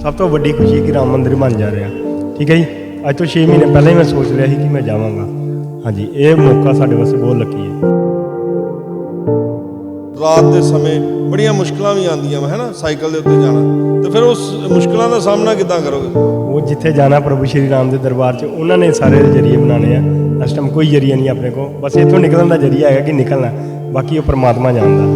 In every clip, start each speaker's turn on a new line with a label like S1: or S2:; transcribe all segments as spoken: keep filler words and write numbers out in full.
S1: सब तो वड्डी खुशी कि राम मंदिर बन जा रहा। ठीक है जी, अज तो छे महीने पहले ही मैं सोच लिया कि मैं जावांगा। हाँ जी, ये मौका साढ़े वास्ते बहुत लकी है।
S2: रात के समय बड़िया मुश्किल भी आंदियां है ना, साइकिल के उत्ते जाना, तो फिर उस मुश्किलों का सामना किद्दां करोगे?
S1: वो जिथे जाना प्रभु श्री राम के दरबार च उन्होंने सारे जरिए बनाने हैं। इस टाइम कोई जरिया नहीं अपने को, बस इतों निकलने का जरिया है कि निकलना, बाकी वो परमात्मा जानता।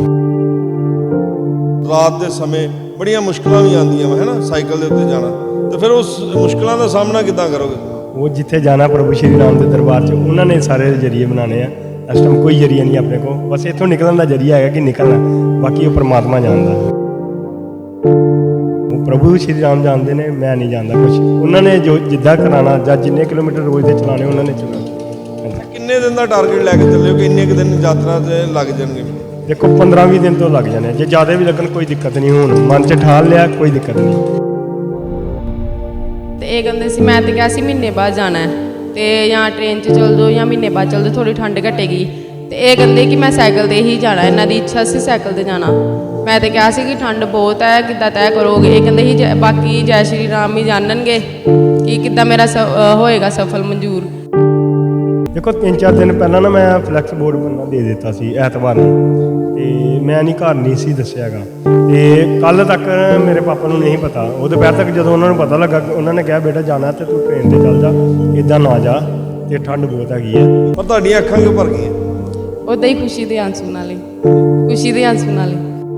S2: रात के समय बड़िया मुश्किल भी आंदियां है ना, साइकिल के उत्ते जाना, तो फिर उस मुश्किलों का सामना किद्दां करोगे?
S1: वो जिथे जाना प्रभु श्री राम के दरबार च उन्होंने सारे जरिए बनाने हैं। इस टाइम कोई जरिया नहीं अपने को, बस इतों निकलने का जरिया है कि निकलना, बाकी वो परमात्मा जानता। वो प्रभु श्री राम जानते हैं, मैं नहीं जानता कुछ। उन्होंने जो जिद्दां कराना या जिन्ने किलोमीटर रोज़ के चलाने उन्होंने चलाना।
S2: किन्ने दिन का टारगेट लैके चले हो कि इन्ने दिन यात्रा से लग जाएंगे?
S1: देखो पंद्रह भी दिन तो लग जाने, जो ज़्यादा भी लगन कोई दिक्कत नहीं। हूँ मन च ठाल लिया, कोई दिक्कत नहीं।
S3: तो ये कहते सी मैं तो क्या सी महीने बाद जाना है, तो या ट्रेन च चल जाओ या महीने बाद चल जाओ, थोड़ी ठंड घटेगी। तो ये कहते कि मैं साइकिल से ही जाना, इन्हों की इच्छा से साइकिल से जाना। मैं तो कहा कि ठंड बहुत है, किद्दां तय करोगे? ये कहते ही बाकी जय श्री राम ही जाननगे कि किद्दां मेरा होएगा सफल मंजूर।
S1: देखो तीन चार दिन पहला ना मैं फ्लैक्स बोर्ड बनना दे दिता सी ऐतवार नूं, ते मैं नहीं घर नहीं सी दस्सियागा। ते कल तक मेरे पापा नूं नहीं पता, वो दोपहर तक जो उन्होंने पता लगा, उन्होंने कहा बेटा जाना तो तू ट्रेन से चल जा, इदा ना जा, ते ठंड बहुत हैगी है।
S2: पर तुहाडियां अखां क्यों भर गईयां?
S3: उदा ही खुशी के आंसू नाल, खुशी के आंसू नाल।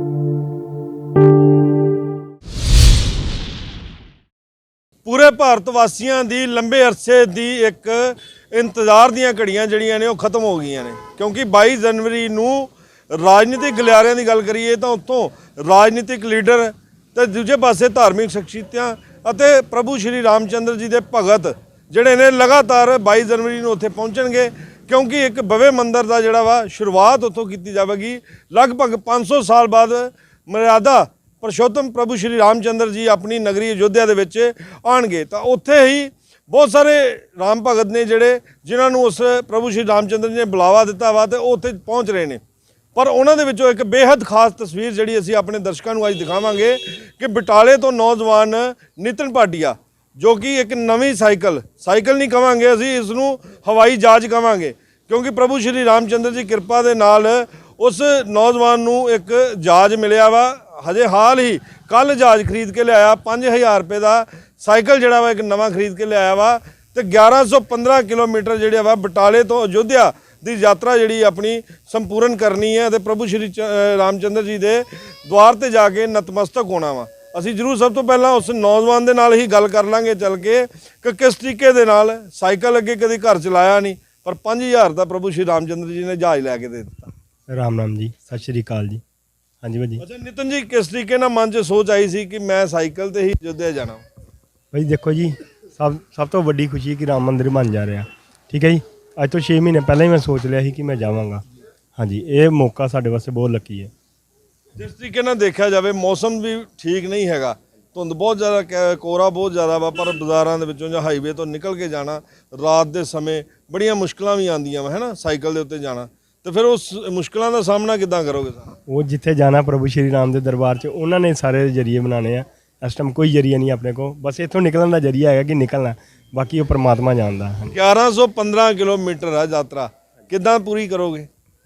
S2: पूरे भारत वासियों की लंबे अरसे की एक इंतजार दीयां घड़ियां जड़ियां ने वो खत्म हो गई ने, क्योंकि बाईस जनवरी नूं राजनीतिक गलियारिਆਂ ਦੀ ਗੱਲ करिए तो उत्तों राजनीतिक लीडर तो दूजे पासे धार्मिक शख्सियतां ਅਤੇ प्रभु श्री रामचंद्र जी के भगत ਜਿਹੜੇ ने लगातार बाईस जनवरी ਨੂੰ ਉੱਥੇ ਪਹੁੰਚਣਗੇ, क्योंकि एक भव्य मंदिर का ਜਿਹੜਾ ਵਾ शुरुआत ਉੱਥੋਂ ਕੀਤੀ ਜਾਵੇਗੀ। लगभग पाँच सौ साल बाद मर्यादा परशोत्तम प्रभु श्री रामचंद्र जी अपनी नगरी अयोध्या ਦੇ ਵਿੱਚ ਆਣਗੇ। ਤਾਂ ਉੱਥੇ ਹੀ बहुत सारे राम भगत ने जोड़े जिन्होंने उस प्रभु श्री रामचंद्र जी ने बुलावा दिता वा, तो वो उत्थे पहुँच रहे हैं। पर उन्होंने विचों एक बेहद खास तस्वीर जी असी अपने दर्शकों को अज दिखावांगे कि बटाले तो नौजवान नितिन भाटिया, जो कि एक नवी साइकिल साइकिल नहीं कहांगे असी, इसनूं हवाई जहाज कहांगे, क्योंकि प्रभु श्री रामचंद्र जी कृपा के नाल उस नौजवान नूं एक जहाज मिलिया वा। हजे हाल ही कल जहाज खरीद के लिया, पाँच हज़ार रुपये का साइकिल जड़ा वा एक नवा खरीद के लिया वा, तो ग्यारह सौ पंद्रह किलोमीटर जोड़ा वा बटाले तो अयोध्या की यात्रा जी अपनी संपूर्ण करनी है, तो प्रभु श्री रामचंद्र जी के द्वार पर जाके नतमस्तक होना वा। असी जरूर सब तो पहला उस नौजवान के नाल ही गल कर लांगे चल के कि किस तरीके दे नाल साइकिल अगे कभी घर चलाया नहीं, पर पाँच हज़ार का प्रभु श्री रामचंद्र जी ने जहाज लैके दे दिता।
S1: राम राम जी, सत श्री अकाल जी। हाँ जी भाजी।
S2: अच्छा नितिन जी, किस तरीके ना मन च सोच आई सी कि मैं साइकिल ते ही अयोध्या जाना?
S1: भाई देखो जी, सब सब तो वड्डी खुशी कि राम मंदिर बन जा रहा। ठीक है जी, अज तो छे महीने पहले ही मैं सोच लिया कि मैं जावांगा। हाँ जी, ये मौका साढ़े वास्ते बहुत लकी है।
S2: जिस तरीके ना देखा जाए मौसम भी ठीक नहीं हैगा, धुंध बहुत ज़्यादा, कोहरा बहुत ज़्यादा वा, पर बाज़ारां दे विचों जां हाईवे तो निकल के जाना रात के समय बड़िया मुश्किल भी आंदियां है ना, साइकिल के उत्ते जाना, तो फिर उस मुश्किलों का सामना किद्दां करोगे?
S1: वो जिथे जाना प्रभु श्री राम के दरबार च उन्होंने सारे जरिए बनाने हैं। इस टाइम कोई जरिया नहीं अपने को, बस इतों निकलने का जरिया है कि निकलना, बाकी वो परमात्मा जानता।
S2: ग्यारह सौ पंद्रह किलोमीटर है यात्रा, किद्दां पूरी करोगे?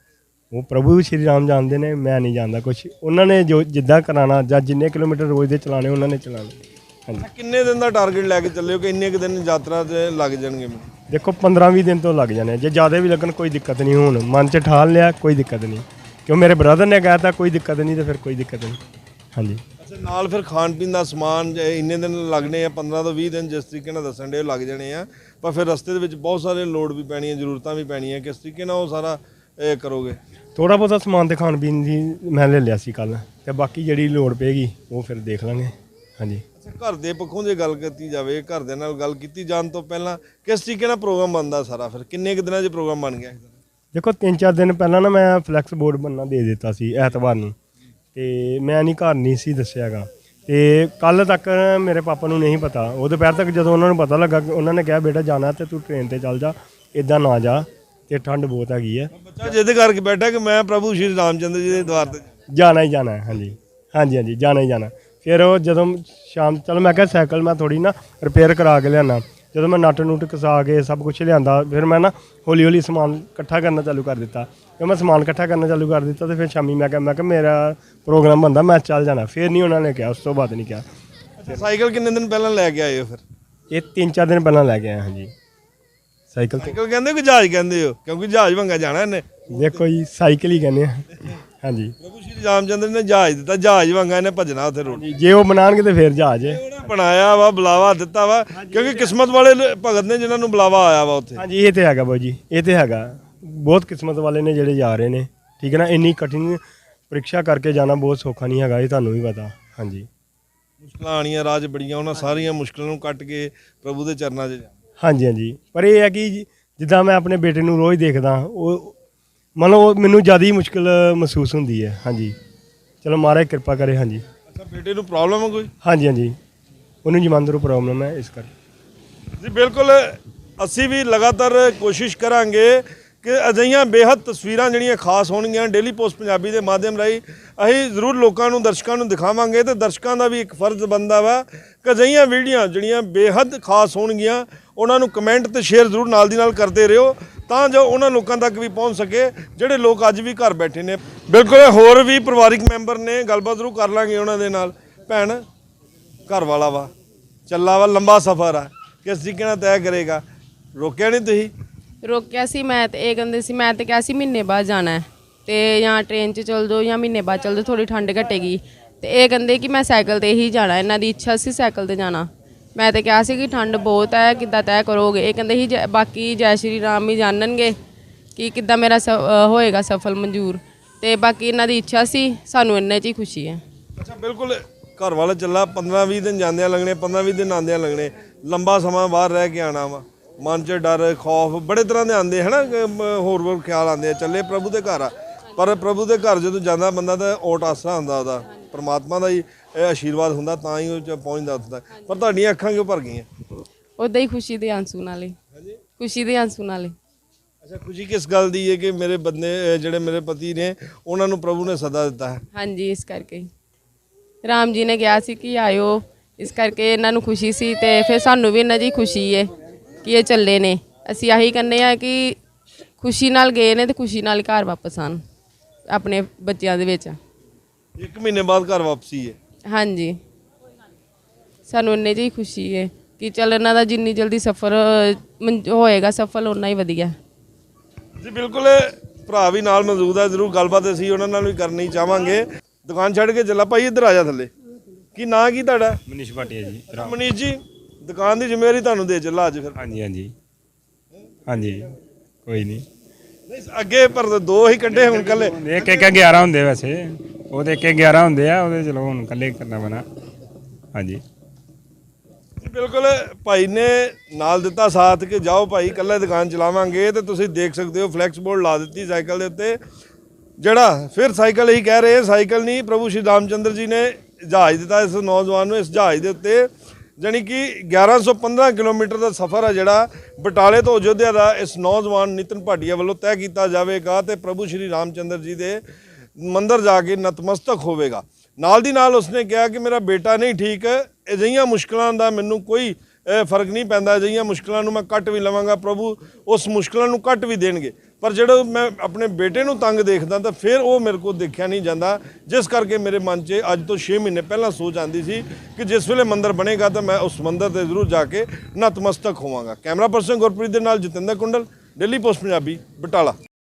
S1: वो प्रभु श्री राम जानते हैं, मैं नहीं जानता कुछ। उन्होंने जो जिद्दां कराना या जिन्ने किलोमीटर रोज़ के चलाने उन्होंने चलाने। हाँ जी,
S2: किन्ने दिन का टारगेट लैके चले हो कि इन्ने दिन यात्रा से लग जाएंगे?
S1: देखो पंद्रह भी दिन तो लग जाने, जो ज़्यादा भी लगन कोई दिक्कत नहीं। हूँ मन च ठाल लिया, कोई दिक्कत नहीं, क्यों मेरे ब्रदर ने कहा था कोई दिक्कत नहीं, तो फिर कोई दिक्कत नहीं। हाँ जी।
S2: अच्छा नाल फिर खान पीन का समान इन्ने दिन लगने हैं, पंद्रह तो भी दिन जिस तरीके दसन डे लग जाने हैं, पर फिर रस्ते के बहुत सारे लोड़ भी पैनी है, जरूरत भी पैनी है, किस तरीके वो सारा ए करोगे?
S1: थोड़ा बहुत समान तो खाण पीन की मैं ले लिया सी कल, तो बाकी जी लोड़ पेगी वो फिर देख लेंगे। हाँ जी।
S2: अच्छा घर के पक्षों जो गल की जाए, घर दे नाल गल की जाने तो पहला किस तरीके प्रोग्राम बनता सारा, फिर किन्ने दिनों च प्रोग्राम बन गया?
S1: देखो तीन चार दिन पहला ना मैं फ्लैक्स बोर्ड बनना दे दिता सी ऐतवार नूं, ते मैं नहीं घर नहीं सी दस्सियागा। तो कल तक मेरे पापा नूं नहीं पता, वो दोपहर तक जो उन्होंने पता लगा, उन्होंने कहा बेटा जाना तो तू ट्रेन से चल जा, इदा ना जा, तो ठंड बहुत हैगी है।
S2: बच्चा जिद करके बैठा कि मैं प्रभु श्री रामचंद्र जी के द्वार पर
S1: जाना ही जाना है। हाँ जी, हाँ जी, हाँ जी, जाना ही जाना। फिर वो जो ਸ਼ਾਮ ਚਲ ਮੈਂ ਕਿਹਾ ਸਾਈਕਲ ਮੈਂ ਥੋੜੀ ਨਾ ਰਿਪੇਅਰ ਕਰਾ ਕੇ ਲਿਆਣਾ। ਜਦੋਂ ਮੈਂ ਨਟ ਨੂਟ ਕਸਾ ਕੇ ਸਭ ਕੁਝ ਲਿਆਂਦਾ ਫਿਰ ਮੈਂ ਨਾ ਹੌਲੀ ਹੌਲੀ ਸਮਾਨ ਇਕੱਠਾ ਕਰਨਾ ਚਾਲੂ ਕਰ ਦਿੱਤਾ। ਜਦੋਂ ਮੈਂ ਸਮਾਨ ਇਕੱਠਾ ਕਰਨਾ ਚਾਲੂ ਕਰ ਦਿੱਤਾ ਤੇ ਫਿਰ ਸ਼ਾਮੀ ਮੈਂ ਕਿਹਾ ਮੈਂ ਕਿਹਾ ਮੇਰਾ ਪ੍ਰੋਗਰਾਮ ਬਣਦਾ ਮੈਂ ਚੱਲ ਜਾਣਾ। ਫਿਰ ਨਹੀਂ ਉਹਨਾਂ ਨੇ ਕਿਹਾ, ਉਸ ਤੋਂ ਬਾਅਦ ਨਹੀਂ ਕਿਹਾ।
S2: ਸਾਈਕਲ ਕਿੰਨੇ ਦਿਨ ਪਹਿਲਾਂ ਲੈ ਕੇ ਆਏ ਹੋ ਫਿਰ?
S1: ਇਹ ਤਿੰਨ ਚਾਰ ਦਿਨ ਪਹਿਲਾਂ ਲੈ ਕੇ ਆਇਆ ਹਾਂਜੀ ਸਾਈਕਲ ਤੇ।
S2: ਸਾਈਕਲ ਕਹਿੰਦੇ ਹੋ ਕਿ ਜਹਾਜ਼ ਕਹਿੰਦੇ ਹੋ? ਕਿਉਂਕਿ ਜਹਾਜ਼ ਵੰਗਾ ਜਾਣਾ ਇਹਨੇ।
S1: ਦੇਖੋ ਜੀ ਸਾਈਕਲ ਹੀ ਕਹਿੰਦੇ ਆ ਹਾਂਜੀ।
S2: ਪ੍ਰਭੂ ਸ਼੍ਰੀ ਰਾਮਚੰਦਰ ਨੇ ਜਹਾਜ਼ ਦਿੱਤਾ, ਜਹਾਜ਼ ਵੰਗਾ ਇਹਨੇ ਭੱਜਣਾ ਉੱਥੇ ਰੋਡ।
S1: ਜੇ ਉਹ ਬਣਾਉਣਗੇ ਤੇ ਫਿਰ ਜਹਾਜ਼ ਹੈ।
S2: ਉਹਨੇ ਬਣਾਇਆ ਵਾ, ਬੁਲਾਵਾ ਦਿੱਤਾ ਵਾ, ਕਿਉਂਕਿ ਕਿਸਮਤ ਵਾਲੇ ਲ- ਭਗਤ ਨੇ ਜਿਨ੍ਹਾਂ ਨੂੰ ਬੁਲਾਵਾ ਆਇਆ ਵਾ ਉੱਥੇ।
S1: ਹਾਂਜੀ ਇਹ ਤੇ ਹੈਗਾ ਬਾਊ ਜੀ, ਇਹ ਤੇ ਹੈਗਾ। ਬਹੁਤ ਕਿਸਮਤ ਵਾਲੇ ਨੇ ਜਿਹੜੇ ਜਾ ਰਹੇ ਨੇ, ਠੀਕ ਹੈ ਨਾ। ਇੰਨੀ ਕਠਿਨ ਪ੍ਰੀਖਿਆ ਕਰਕੇ ਜਾਣਾ ਬਹੁਤ ਸੌਖਾ ਨਹੀਂ ਹੈਗਾ, ਇਹ ਤੁਹਾਨੂੰ ਵੀ ਪਤਾ। ਹਾਂਜੀ
S2: ਮੁਸ਼ਕਲਾਂ ਆਣੀਆਂ ਰਾਜ ਬੜੀਆਂ, ਉਹਨਾਂ ਸਾਰੀਆਂ ਮੁਸ਼ਕਲਾਂ ਨੂੰ ਕੱਟ ਕੇ ਪ੍ਰਭੂ ਦੇ ਚਰਨਾਂ 'ਚ ਜਾਣਾ।
S1: ਹਾਂਜੀ ਹਾਂਜੀ ਪਰ ਇਹ ਹੈ ਕਿ ਜੀ- ਜਿੱਦਾਂ ਮੈਂ ਆਪਣੇ ਬੇਟੇ ਨੂੰ ਰੋਜ਼ ਦੇਖਦਾ, ਉਹ ਮਤਲਬ ਉਹ ਮੈਨੂੰ ਜ਼ਿਆਦਾ ਹੀ ਮੁਸ਼ਕਿਲ ਮਹਿਸੂਸ ਹੁੰਦੀ ਹੈ। ਹਾਂਜੀ ਚਲੋ ਮਹਾਰਾਜ ਕਿਰਪਾ ਕਰੇ। ਹਾਂਜੀ
S2: ਅੱਛਾ, ਬੇਟੇ ਨੂੰ ਪ੍ਰੋਬਲਮ ਹੈ ਕੋਈ?
S1: ਹਾਂਜੀ ਹਾਂਜੀ ਉਹਨੂੰ ਜਮਾਂਦਰੂ ਪ੍ਰੋਬਲਮ ਹੈ, ਇਸ ਕਰਕੇ।
S2: ਜੀ ਬਿਲਕੁਲ, ਅਸੀਂ ਵੀ ਲਗਾਤਾਰ ਕੋਸ਼ਿਸ਼ ਕਰਾਂਗੇ ਕਿ ਅਜਿਹੀਆਂ ਬੇਹੱਦ ਤਸਵੀਰਾਂ ਜਿਹੜੀਆਂ ਖਾਸ ਹੋਣਗੀਆਂ ਡੇਲੀ ਪੋਸਟ ਪੰਜਾਬੀ ਦੇ ਮਾਧਿਅਮ ਰਾਹੀਂ ਅਸੀਂ ਜ਼ਰੂਰ ਲੋਕਾਂ ਨੂੰ, ਦਰਸ਼ਕਾਂ ਨੂੰ ਦਿਖਾਵਾਂਗੇ। ਤੇ ਦਰਸ਼ਕਾਂ ਦਾ ਵੀ ਇੱਕ ਫਰਜ਼ ਬਣਦਾ ਵਾ ਕਿ ਅਜਿਹੀਆਂ ਵੀਡੀਓ ਜਿਹੜੀਆਂ ਬੇਹੱਦ ਖਾਸ ਹੋਣਗੀਆਂ ਉਹਨਾਂ ਨੂੰ ਕਮੈਂਟ ਤੇ ਸ਼ੇਅਰ ਜ਼ਰੂਰ ਨਾਲ ਦੀ ਨਾਲ ਕਰਦੇ ਰਹੋ, ਤਾਂ ਜੋ ਉਹਨਾਂ ਲੋਕਾਂ ਤੱਕ ਵੀ ਪਹੁੰਚ ਸਕੇ ਜਿਹੜੇ ਲੋਕ ਅੱਜ ਵੀ ਘਰ ਬੈਠੇ ਨੇ। ਬਿਲਕੁਲ, ਹੋਰ ਵੀ ਪਰਿਵਾਰਿਕ ਮੈਂਬਰ ਨੇ, ਗੱਲਬਾਤ ਜ਼ਰੂਰ ਕਰ ਲਾਂਗੇ ਉਹਨਾਂ ਦੇ ਨਾਲ। ਭੈਣ, ਘਰ ਵਾਲਾ ਵਾ, ਚੱਲਾ ਵਾ, ਲੰਬਾ ਸਫ਼ਰ ਆ, ਕਿਸ ਤਰੀਕੇ ਨਾਲ ਤੈਅ ਕਰੇਗਾ? ਰੋਕਿਆ ਨਹੀਂ ਤੁਸੀਂ?
S3: ਰੋਕਿਆ ਸੀ ਮੈਂ, ਤੇ ਇਹ ਕਹਿੰਦੇ ਸੀ, ਮੈਂ ਤੇ ਕਿਹਾ ਸੀ ਮਹੀਨੇ ਬਾਅਦ ਜਾਣਾ ਹੈ ਤੇ ਜਾਂ ਟ੍ਰੇਨ 'ਚ ਚਲ ਜਾਓ ਜਾਂ ਮਹੀਨੇ ਬਾਅਦ ਚਲ ਜਾਓ, ਥੋੜੀ ਠੰਡ ਘਟੇਗੀ। ਤੇ ਇਹ ਕਹਿੰਦੇ ਕਿ ਮੈਂ ਸਾਈਕਲ ਤੇ ਹੀ ਜਾਣਾ, ਇਹਨਾਂ ਦੀ ਇੱਛਾ ਸੀ ਸਾਈਕਲ ਤੇ ਜਾਣਾ। ਮੈਂ ਤੇ ਕਿਹਾ ਸੀ ਕਿ ਠੰਡ ਬਹੁਤ ਹੈ, ਕਿੱਦਾਂ ਤੈਅ ਕਰੋਗੇ? ਇਹ ਕਹਿੰਦੇ ਸੀ ਜੈ- ਬਾਕੀ ਜੈ ਸ਼੍ਰੀ ਰਾਮ ਹੀ ਜਾਣਨਗੇ ਕਿ ਕਿੱਦਾਂ ਮੇਰਾ ਸ- ਅ, ਹੋਏਗਾ ਸਫਲ ਮਨਜ਼ੂਰ। ਤੇ ਬਾਕੀ ਇਹਨਾਂ ਦੀ ਇੱਛਾ ਸੀ, ਸਾਨੂੰ ਇੰਨੇ 'ਚ ਹੀ ਖੁਸ਼ੀ ਹੈ।
S2: ਅੱਛਾ ਬਿਲਕੁਲ, ਘਰ ਵਾਲਾ ਚੱਲਾ, ਪੰਦਰਾਂ ਵੀਹ ਦਿਨ ਜਾਂਦਿਆਂ ਲੱਗਣੇ, ਪੰਦਰਾਂ ਵੀਹ ਦਿਨ ਆਉਂਦਿਆਂ ਲੱਗਣੇ, ਲੰਬਾ ਸਮਾਂ ਬਾਹਰ ਰਹਿ ਕੇ ਆਣਾ ਵਾ। ਮਨ 'ਚ ਡਰ, ਖੌਫ ਬੜੇ ਤਰ੍ਹਾਂ ਦੇ ਆਉਂਦੇ ਹੈ ਨਾ, ਕਿ ਮ- ਹੋਰ ਹੋਰ ਖਿਆਲ ਆਉਂਦੇ ਆ। ਚੱਲੇ ਪ੍ਰਭੂ ਦੇ ਘਰ ਆ, ਪਰ ਪ੍ਰਭੂ ਦੇ ਘਰ ਜਦੋਂ ਜਾਂਦਾ ਬੰਦਾ ਤਾਂ ਓਟ ਆਸਰਾ ਹੁੰਦਾ ਉਹਦਾ, ਪਰਮਾਤਮਾ ਦਾ ਹੀ ਇਹ ਆਸ਼ੀਰਵਾਦ ਹੁੰਦਾ, ਤਾਂ ਹੀ ਉਹ 'ਚ ਪਹੁੰਚਦਾ ਉੱਥੇ ਤੱਕ। ਪਰ ਤੁਹਾਡੀਆਂ ਅੱਖਾਂ ਕਿਉਂ ਭਰ ਗਈਆਂ?
S3: ਉੱਦਾਂ ਹੀ ਖੁਸ਼ੀ ਦੇ ਆਂਸੂ ਨਾਲੇ, ਖੁਸ਼ੀ ਦੇ ਆਂਸੂ ਨਾਲੇ।
S2: ਅੱਛਾ, ਖੁਸ਼ੀ ਕਿਸ ਗੱਲ ਦੀ ਹੈ ਕਿ ਮੇਰੇ ਬੰਦੇ ਅਹ ਜਿਹੜੇ ਮੇਰੇ ਪਤੀ ਨੇ ਉਹਨਾਂ ਨੂੰ ਪ੍ਰਭੂ ਨੇ ਸਦਾ ਦਿੱਤਾ ਹੈ?
S3: ਹਾਂਜੀ, ਇਸ ਕਰਕੇ ਹੀ। ਰਾਮ ਜੀ ਨੇ ਕਿਹਾ ਸੀ ਕਿ ਆਇਓ, ਇਸ ਕਰਕੇ ਇਹਨਾਂ ਨੂੰ ਖੁਸ਼ੀ ਸੀ। ਤੇ ਫਿਰ ਸਾਨੂੰ ਵੀ ਇਹਨਾਂ ਦੀ ਖੁਸ਼ੀ ਹੈ ਕਿ ਇਹ ਚੱਲੇ ਨੇ। ਅਸੀਂ ਆਹੀ ਕਹਿੰਦੇ ਆ ਕਿ ਖੁਸ਼ੀ ਨਾਲ ਗਏ ਨੇ ਤੇ ਖੁਸ਼ੀ ਨਾਲ ਘਰ ਵਾਪਸ ਆਣ ਆਪਣੇ ਬੱਚਿਆਂ ਦੇ ਵਿੱਚ।
S2: ਇੱਕ ਮਹੀਨੇ ਬਾਅਦ ਘਰ ਵਾਪਸੀ ਹੈ।
S3: ਹਾਂਜੀ, ਸਾਨੂੰ ਇੰਨੇ 'ਚ ਹੀ ਖੁਸ਼ੀ ਹੈ ਕਿ ਚੱਲ ਇਹਨਾਂ ਦਾ ਜਿੰਨੀ ਜਲਦੀ ਸਫ਼ਰ ਹੋਏਗਾ ਸਫਲ, ਓਨਾ ਹੀ ਵਧੀਆ।
S2: ਜੀ ਬਿਲਕੁਲ, ਭਰਾ ਵੀ ਨਾਲ ਮੌਜੂਦ ਹੈ, ਜ਼ਰੂਰ ਗੱਲਬਾਤ ਅਸੀਂ ਉਹਨਾਂ ਨਾਲ ਵੀ ਕਰਨੀ ਚਾਹਾਂਗੇ। ਦੁਕਾਨ ਛੱਡ ਕੇ ਚੱਲਾ ਭਾਈ, ਇੱਧਰ ਆ ਜਾ ਥੱਲੇ। ਕੀ ਨਾਂ ਕੀ ਤੁਹਾਡਾ?
S1: ਮਨੀਸ਼ ਭਾਟੀਆ ਜੀ।
S2: ਮਨੀਸ਼ ਜੀ, ਦੁਕਾਨ ਦੀ ਜ਼ਿੰਮੇਵਾਰੀ ਤੁਹਾਨੂੰ ਦੇ ਚੱਲਾ ਅੱਜ ਫਿਰ।
S1: ਹਾਂਜੀ ਹਾਂਜੀ ਹਾਂਜੀ ਕੋਈ ਨਹੀਂ।
S2: ਨਹੀਂ ਅੱਗੇ ਪਰ ਦੋ ਹੀ ਕੱਢੇ ਹੁਣ ਕੱਲੇ।
S4: ਇੱਕ ਇੱਕ ਗਿਆਰਾਂ ਹੁੰਦੇ ਵੈਸੇ, ਉਹਦੇ ਇੱਕ ਇੱਕ ਗਿਆਰਾਂ ਹੁੰਦੇ ਆ, ਉਹਦੇ ਚਲੋ ਹੁਣ ਇਕੱਲੇ ਕਰਨਾ ਪੈਣਾ। ਹਾਂਜੀ
S2: ਬਿਲਕੁਲ, ਭਾਈ ਨੇ ਨਾਲ ਦਿੱਤਾ ਸਾਥ ਕਿ ਜਾਓ ਭਾਈ, ਇਕੱਲੇ ਦੁਕਾਨ ਚਲਾਵਾਂਗੇ। ਤੇ ਤੁਸੀਂ ਦੇਖ ਸਕਦੇ ਹੋ ਫਲੈਕਸ ਬੋਰਡ ਲਾ ਦਿੱਤੀ ਸਾਈਕਲ ਦੇ ਉੱਤੇ, ਜਿਹੜਾ ਫਿਰ ਸਾਈਕਲ ਹੀ ਕਹਿ ਰਹੇ, ਸਾਈਕਲ ਨਹੀਂ, ਪ੍ਰਭੂ ਸ਼੍ਰੀ ਰਾਮਚੰਦਰ ਜੀ ਨੇ ਜਹਾਜ਼ ਦਿੱਤਾ ਇਸ ਨੌਜਵਾਨ ਨੂੰ। ਇਸ ਜਹਾਜ਼ ਦੇ ਉੱਤੇ ਜਾਣੀ ਕਿ ਗਿਆਰਾਂ ਸੌ ਪੰਦਰਾਂ ਕਿਲੋਮੀਟਰ ਦਾ ਸਫ਼ਰ ਹੈ ਜਿਹੜਾ ਬਟਾਲੇ ਤੋਂ ਅਯੋਧਿਆ ਦਾ ਇਸ ਨੌਜਵਾਨ ਨਿਤਨ ਭਾਟੀਆ ਵੱਲੋਂ ਤੈਅ ਕੀਤਾ ਜਾਵੇਗਾ ਤੇ ਪ੍ਰਭੂ ਸ਼੍ਰੀ ਰਾਮਚੰਦਰ ਜੀ ਦੇ ਮੰਦਿਰ ਜਾ ਕੇ ਨਤਮਸਤਕ ਹੋਵੇਗਾ। ਨਾਲ ਦੀ ਨਾਲ ਉਸਨੇ ਕਿਹਾ ਕਿ ਮੇਰਾ ਬੇਟਾ ਨਹੀਂ ਠੀਕ, ਅਜਿਹੀਆਂ ਮੁਸ਼ਕਲਾਂ ਦਾ ਮੈਨੂੰ ਕੋਈ ਅ, ਫਰਕ ਨਹੀਂ ਪੈਂਦਾ, ਅਜਿਹੀਆਂ ਮੁਸ਼ਕਲਾਂ ਨੂੰ ਮੈਂ ਕੱਟ ਵੀ ਲਵਾਂਗਾ, ਪ੍ਰਭੂ ਉਸ ਮੁਸ਼ਕਲਾਂ ਨੂੰ ਕੱਟ ਵੀ ਦੇਣਗੇ। ਪਰ ਜਦੋਂ ਮੈਂ ਆਪਣੇ ਬੇਟੇ ਨੂੰ ਤੰਗ ਦੇਖਦਾ ਤਾਂ ਫਿਰ ਉਹ ਮੇਰੇ ਕੋਲ ਦੇਖਿਆ ਨਹੀਂ ਜਾਂਦਾ, ਜਿਸ ਕਰਕੇ ਮੇਰੇ ਮਨ 'ਚ ਅੱਜ ਤੋਂ ਛੇ ਮਹੀਨੇ ਪਹਿਲਾਂ ਸੋਚ ਆਉਂਦੀ ਸੀ ਕਿ ਜਿਸ ਵੇਲੇ ਮੰਦਿਰ ਬਣੇਗਾ ਤਾਂ ਮੈਂ ਉਸ ਮੰਦਿਰ ਤੇ ਜ਼ਰੂਰ ਜਾ ਕੇ ਨਤਮਸਤਕ ਹੋਵਾਂਗਾ। ਕੈਮਰਾ ਪਰਸਨ ਗੁਰਪ੍ਰੀਤ ਦੇ ਨਾਲ ਜਤਿੰਦਰ ਕੁੰਡਲ, ਡੇਲੀ ਪੋਸਟ ਪੰਜਾਬੀ, ਬਟਾਲਾ।